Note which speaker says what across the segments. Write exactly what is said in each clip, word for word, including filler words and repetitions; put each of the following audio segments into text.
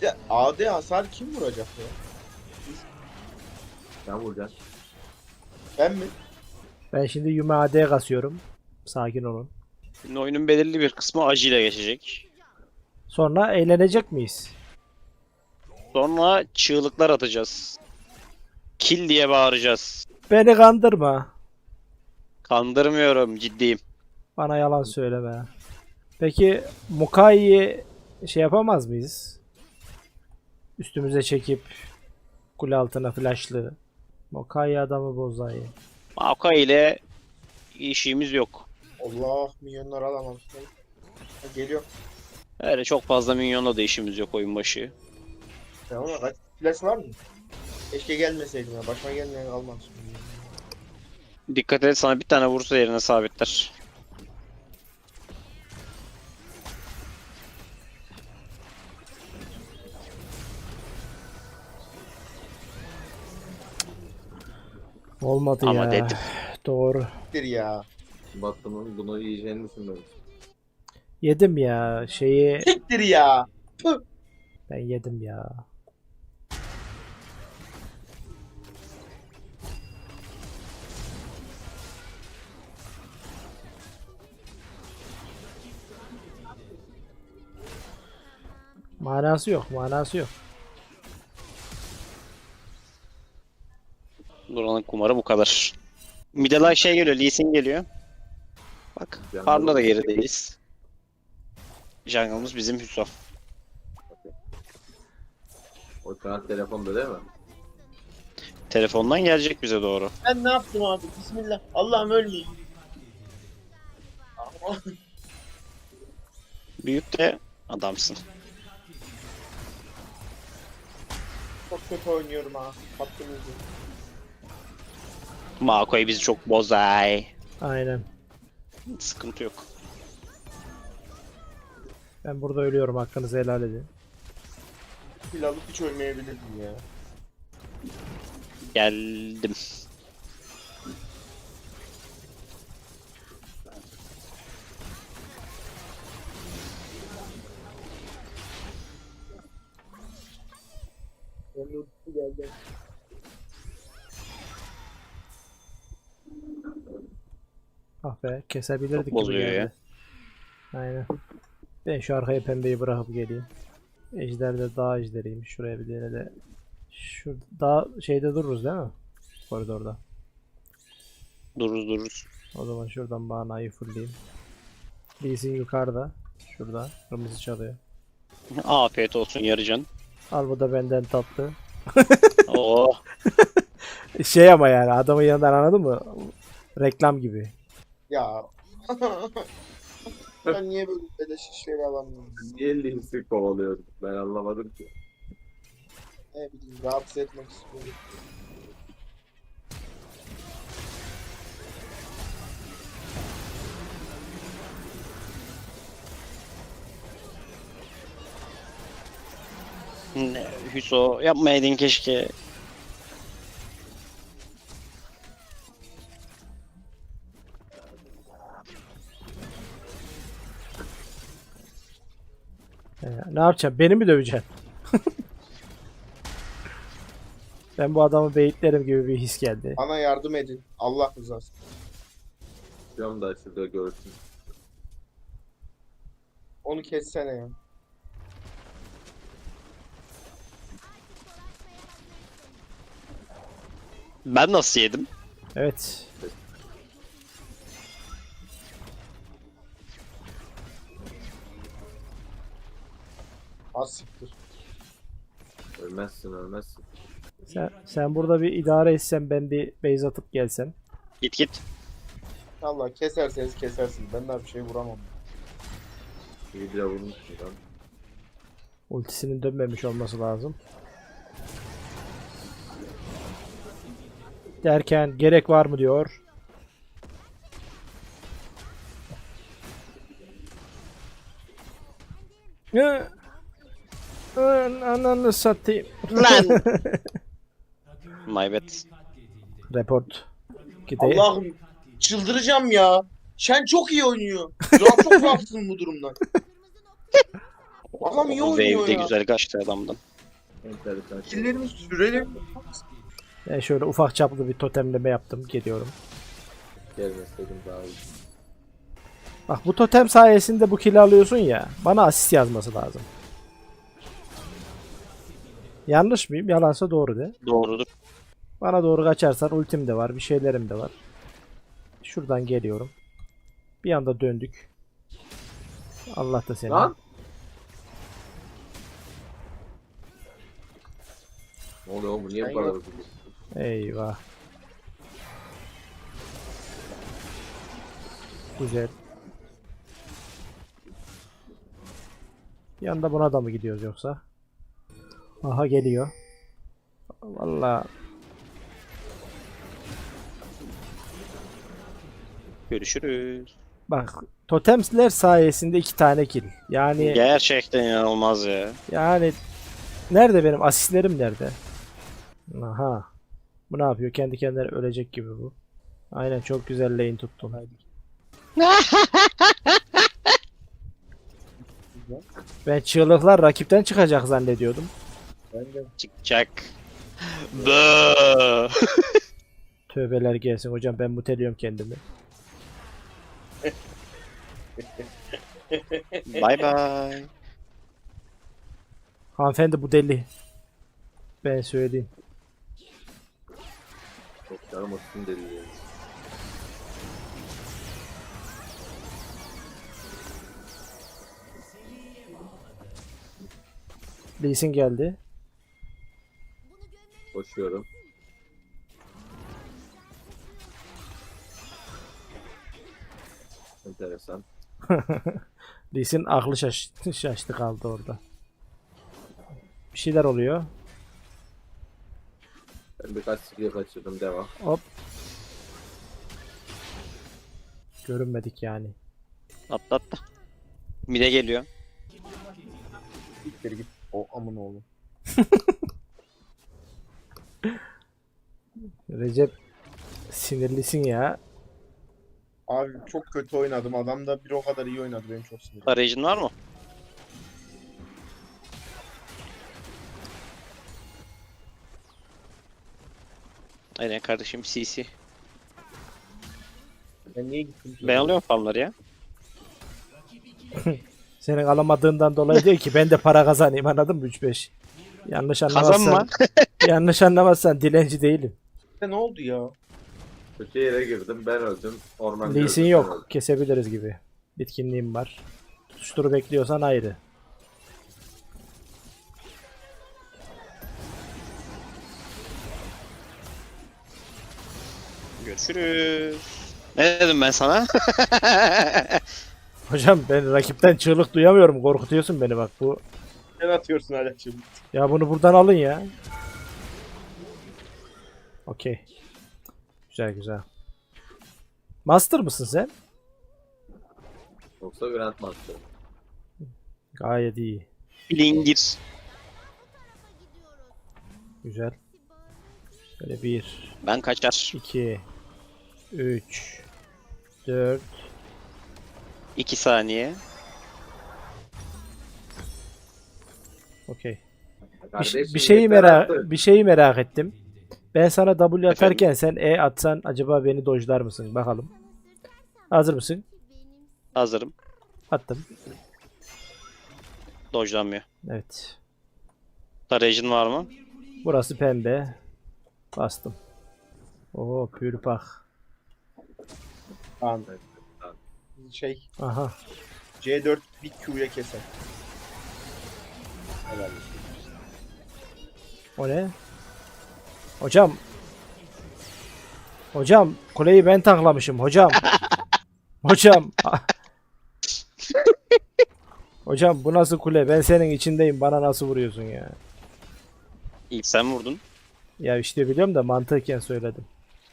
Speaker 1: de A D hasar kim vuracak ya?
Speaker 2: Sen vuracaksın.
Speaker 1: Ben mi?
Speaker 3: Ben şimdi Yume A D kasıyorum. Sakin olun.
Speaker 4: Şimdi oyunun belirli bir kısmı acı ile geçecek.
Speaker 3: Sonra eğlenecek miyiz?
Speaker 4: Sonra çığlıklar atacağız. Kill diye bağıracağız.
Speaker 3: Beni kandırma.
Speaker 4: Kandırmıyorum, ciddiyim.
Speaker 3: Bana yalan söyleme. Peki Mukai'yi şey yapamaz mıyız? Üstümüze çekip kule altına flashlı. Mukai adamı bozayı.
Speaker 4: Maokai ile işimiz yok.
Speaker 1: Allah, milyonlar alamam. Ha, geliyor.
Speaker 4: Öyle çok fazla minyonla da işimiz yok oyun başı.
Speaker 1: Ya ama kaç flash var mı? Keşke gelmeseydim ya. Başıma gelmeyen almam şimdi.
Speaker 4: Dikkat et, sana bir tane vursa yerine sabitler.
Speaker 3: Olmadı
Speaker 4: Ama
Speaker 3: ya.
Speaker 4: dedim.
Speaker 3: Doğru.
Speaker 1: Siktir ya.
Speaker 2: Battım'ın bunu yiyeceğini düşünmedim.
Speaker 3: Yedim ya. Şeyi
Speaker 1: Siktir ya. Tüh.
Speaker 3: ben yedim ya. Manası yok, manası yok.
Speaker 4: Duran'ın kumarı bu kadar. Middle şey geliyor, Lee Sin geliyor. Bak,
Speaker 2: Jungle
Speaker 4: Farm'da da
Speaker 2: oldu.
Speaker 4: gerideyiz. Jungle'ımız bizim Hüso.
Speaker 2: O kanat telefonda değil mi?
Speaker 4: Telefondan gelecek bize doğru.
Speaker 1: Ben ne yaptım abi? Bismillah. Allah'ım ölmeyeyim. Ama
Speaker 4: Büyük de adamsın.
Speaker 1: çok kötü oynuyorum ha. Hakkınızı.
Speaker 4: Maokai bizi çok bozay.
Speaker 3: Aynen.
Speaker 4: Sıkıntı yok.
Speaker 3: Ben burada ölüyorum, hakkınızı helal edin.
Speaker 1: Pil alıp hiç ölmeyebilirdim ya.
Speaker 4: Geldim.
Speaker 1: Ben de ultisi geldi.
Speaker 3: Ah be, kesebilirdik
Speaker 4: Çok
Speaker 3: gibi
Speaker 4: bozuyor
Speaker 3: geldi.
Speaker 4: ya.
Speaker 3: Aynen. Ben şu arkaya pembeyi bırakıp geleyim. Ejder de dağ ejderiymiş. Şuraya bir tane de. Şu dağ şeyde dururuz değil mi? Koridorda.
Speaker 4: Dururuz dururuz.
Speaker 3: O zaman şuradan manayı fullleyeyim. Birisi yukarıda. Şurada. Kırmızı çalıyor.
Speaker 4: Afiyet olsun yarıcan.
Speaker 3: Al, bu da benden tatlı.
Speaker 4: Oo.
Speaker 3: Şey ama yani adamın yanından, anladın mı? Reklam gibi.
Speaker 1: Ya. Ben niye böyle beleş işleri alamıyorum?
Speaker 2: Niye Links'i kovalıyoruz? Ben anlamadım ki.
Speaker 1: Ne bileyim, rahatsız etmek istiyorum.
Speaker 4: Ne, Hüso yapmayaydın keşke.
Speaker 3: Ee, ne yapacağım? Beni mi döveceksin? Ben bu adamı beyitlerim gibi bir his geldi.
Speaker 1: Bana yardım edin. Allah rızası.
Speaker 2: Diyorum da şurada görsün.
Speaker 1: Onu kessene ya.
Speaker 4: Ben nasıl yedim?
Speaker 3: Evet.
Speaker 1: Az siktir.
Speaker 2: Ölmezsin ölmezsin.
Speaker 3: Sen, sen burada bir idare etsen, ben bir base atıp gelsem.
Speaker 4: Git git.
Speaker 1: Allah, keserseniz kesersiniz. Ben daha bir şey vuramam.
Speaker 2: Bir bile vurmuşsun lan.
Speaker 3: Ultisinin dönmemiş olması lazım. Derken gerek var mı diyor. Ya, an- ananı satayım.
Speaker 4: Lan. My bad.
Speaker 3: Report. Gide.
Speaker 1: Allah'ım, çıldıracağım ya. Şen çok iyi oynuyor. Zuhal çok rahatsızım bu durumdan. Adam iyi
Speaker 4: Wave
Speaker 1: oynuyor
Speaker 4: de
Speaker 1: ya.
Speaker 4: güzel kaçtı adamdan.
Speaker 2: Enteresan.
Speaker 1: Killerimiz sürelim.
Speaker 3: Ben şöyle ufak çaplı bir totemleme yaptım. Geliyorum.
Speaker 2: Gelmeseydim daha iyi.
Speaker 3: Bak bu totem sayesinde bu kill'i alıyorsun ya. Bana asist yazması lazım. Yanlış mıyım? Yalansa doğru de.
Speaker 4: Doğrudur.
Speaker 3: Bana doğru kaçarsan ultim de var. Bir şeylerim de var. Şuradan geliyorum. Bir anda döndük. Allah da seni.
Speaker 2: Lan! Ne oluyor oğlum? Niye
Speaker 1: Ben
Speaker 2: bu kadar
Speaker 1: yok.
Speaker 2: hızlı?
Speaker 3: Eyvah. Güzel. Bir anda buna da mı gidiyoruz yoksa? Aha geliyor. Vallahi
Speaker 4: Görüşürüz.
Speaker 3: bak totemler sayesinde iki tane kill. Yani
Speaker 4: Gerçekten inanılmaz ya.
Speaker 3: yani nerede benim asistlerim nerede? Aha. Bu ne yapıyor? Kendi kendine ölecek gibi bu. Aynen çok güzel lane tuttun. Haydi. Ben çığlıklar rakipten çıkacak zannediyordum.
Speaker 1: Ben de.
Speaker 4: Çıkacak. Bıı.
Speaker 3: Tövbeler gelsin hocam, ben muteliyorum kendimi.
Speaker 4: Bye bye.
Speaker 3: Hanımefendi bu deli. Ben söyleyeyim.
Speaker 2: Çok canım olsun dedi. ya.
Speaker 3: Lee Sin geldi.
Speaker 2: Koşuyorum. Enteresan.
Speaker 3: Lee Sin aklı şaş şaştı kaldı orada. Bir şeyler oluyor.
Speaker 2: Ben birkaç skill kaçırdım. Devam.
Speaker 3: Hop. Görünmedik yani.
Speaker 4: Atla atla. Mide geliyor.
Speaker 1: Git geri git. O amın oğlu.
Speaker 3: Recep sinirlisin ya.
Speaker 1: Abi çok kötü oynadım. Adam da bir o kadar iyi oynadı. Benim çok sinirim.
Speaker 4: Arayıcın var mı? Aynen kardeşim C C.
Speaker 1: Ben niye gittim?
Speaker 4: Ben alıyorum farmları ya.
Speaker 3: Senin alamadığından dolayı değil ki ben de para kazanayım, anladın mı? üç beş. Yanlış
Speaker 4: Kazanma.
Speaker 3: anlamazsan. yanlış anlamazsan dilenci değilim.
Speaker 1: Ne oldu ya?
Speaker 2: Kötü yere girdim. Ben öldüm. Orman
Speaker 3: Lee Sin
Speaker 2: gördüm, ben
Speaker 3: yok.
Speaker 2: öldüm.
Speaker 3: Kesebiliriz gibi. Bitkinliğim var. Tutuşturu bekliyorsan ayrı.
Speaker 4: Görüşürüz. Ne dedim ben sana?
Speaker 3: Hocam ben rakipten çığlık duyamıyorum. Korkutuyorsun beni bak bu.
Speaker 1: Sen atıyorsun hala şimdi.
Speaker 3: Ya bunu buradan alın ya. Okey. Güzel güzel. Master mısın sen?
Speaker 2: Yoksa Grandmaster.
Speaker 3: Gayet iyi.
Speaker 4: Lingir.
Speaker 3: Güzel. Böyle bir,
Speaker 4: Ben kaçar.
Speaker 3: iki, üç, dört.
Speaker 4: iki saniye.
Speaker 3: Okey. Bir,
Speaker 2: Kardeşim,
Speaker 3: bir şeyi
Speaker 2: yeter
Speaker 3: merak
Speaker 2: artık.
Speaker 3: bir şeyi merak ettim. Ben sana W atarken sen E atsan acaba beni dojlar mısın? Bakalım. Hazır mısın?
Speaker 4: Hazırım.
Speaker 3: Attım.
Speaker 4: Dojlanmıyor.
Speaker 3: Evet.
Speaker 4: Tarayıcın var mı?
Speaker 3: Burası pembe. Bastım. Oo pürpak.
Speaker 1: Tamam. Şey
Speaker 3: Aha.
Speaker 1: C dört bir Q'ya keser. Helal.
Speaker 3: O ne? Hocam. Hocam kuleyi ben tanklamışım hocam. Hocam. Hocam bu nasıl kule? Ben senin içindeyim. Bana nasıl vuruyorsun ya?
Speaker 4: İlk sen vurdun.
Speaker 3: Ya işte biliyorum da mantıken söyledim.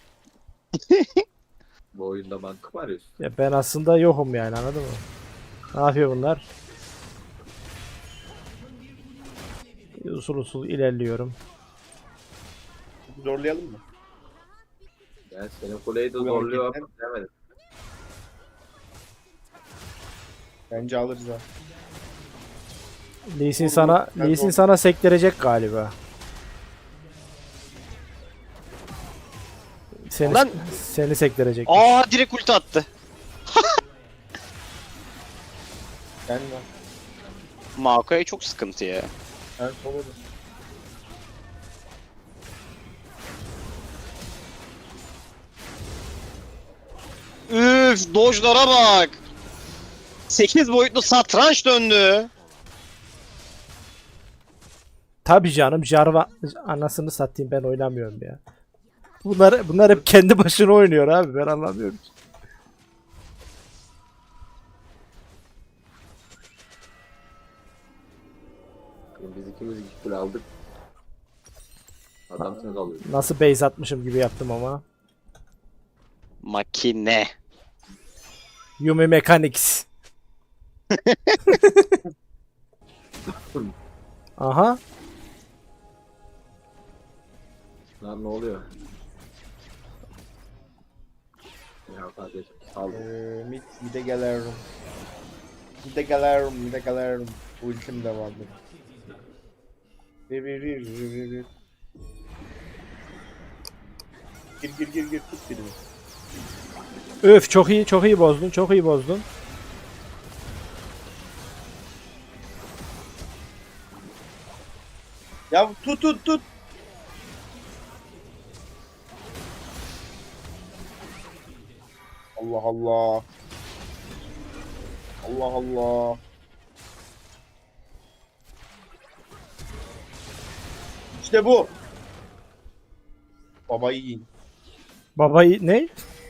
Speaker 2: Bu oyunda mantık mı arıyorsun?
Speaker 3: Ya ben aslında yokum yani, anladın mı? Ne yapıyor bunlar? Usul usul ilerliyorum.
Speaker 1: Zorlayalım mı?
Speaker 2: Ben senin kuleyi de
Speaker 1: Bu
Speaker 2: zorluyor
Speaker 1: hareketten-
Speaker 2: ama demedim.
Speaker 1: Bence alırız ha.
Speaker 3: Lee Sin sana,
Speaker 1: Ben
Speaker 3: Lee Sin
Speaker 1: de-
Speaker 3: sana sektirecek galiba. Seni,
Speaker 4: Lan!
Speaker 3: seni sektirecek.
Speaker 4: Aa direkt ulti attı.
Speaker 1: Ben var.
Speaker 4: Maokai çok sıkıntı ya.
Speaker 1: Ben solo'da.
Speaker 4: Üf, dojlara bak. sekiz boyutlu satranç döndü.
Speaker 3: Tabii canım, Jarvan anasını satayım, ben oynamıyorum ya. Bunlar bunlar hep kendi başına oynuyor abi, ben anlamıyorum ki.
Speaker 2: Biz ikimiz iki kule aldık. Adam sen alıyor.
Speaker 3: Nasıl base atmışım gibi yaptım ama.
Speaker 4: Makine.
Speaker 3: Yumi Mechanics. Aha.
Speaker 2: Lan ne oluyor? Ya kardeşim sal.
Speaker 1: Ee, mid, mid'e gelirim. Mid'e gelirim, mid'e gelirim. Ultim de vardı. Bir bir bir bir bir bir. Gir gir gir gir tut birini.
Speaker 3: Öf, çok iyi, çok iyi bozdun, çok iyi bozdun.
Speaker 1: Ya tut tut tut. Allah Allah. Allah Allah. İşte bu. Baba yiyin.
Speaker 3: Babayı ne?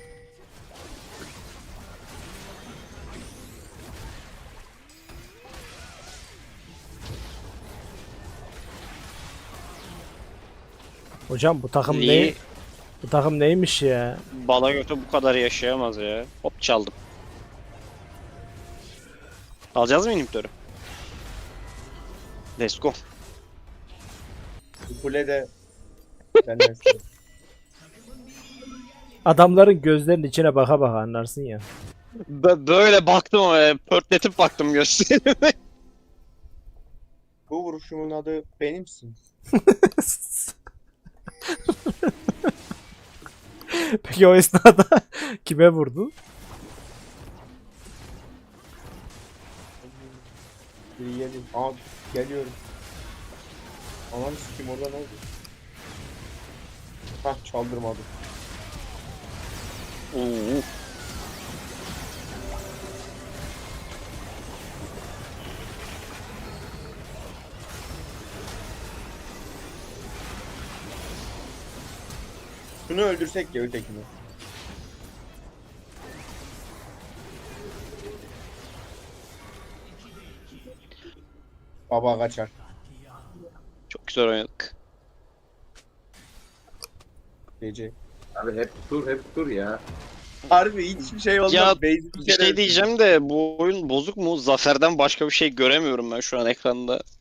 Speaker 3: Hocam bu takım ne?
Speaker 4: Lee
Speaker 3: Bu takım neymiş ya?
Speaker 4: bala götü bu kadar yaşayamaz ya. Hop çaldım. Alacağız mı inhibitörü? Let's go.
Speaker 1: Bu kule de senden sonra.
Speaker 3: Adamların gözlerinin içine baka baka anlarsın ya.
Speaker 4: Bö- böyle baktım ama pörtletip baktım gösterime.
Speaker 1: Bu vuruşumun adı benimsin.
Speaker 3: Peki o esnada kime vurdu?
Speaker 1: Biri yedim. Aa geliyorum. Aman sikim orada ne oldu? Hah çaldırmadı.
Speaker 4: Oo.
Speaker 1: Şunu öldürsek ya ötekini. Baba kaçar.
Speaker 4: Çok güzel oynadık.
Speaker 1: Gece.
Speaker 2: Abi hep dur hep dur ya.
Speaker 1: Harbi hiçbir şey olmaz.
Speaker 4: Ya,
Speaker 1: Basic
Speaker 4: Bir
Speaker 1: kere
Speaker 4: şey diyeceğim de bu oyun bozuk mu? Zafer'den başka bir şey göremiyorum ben şu an ekranda.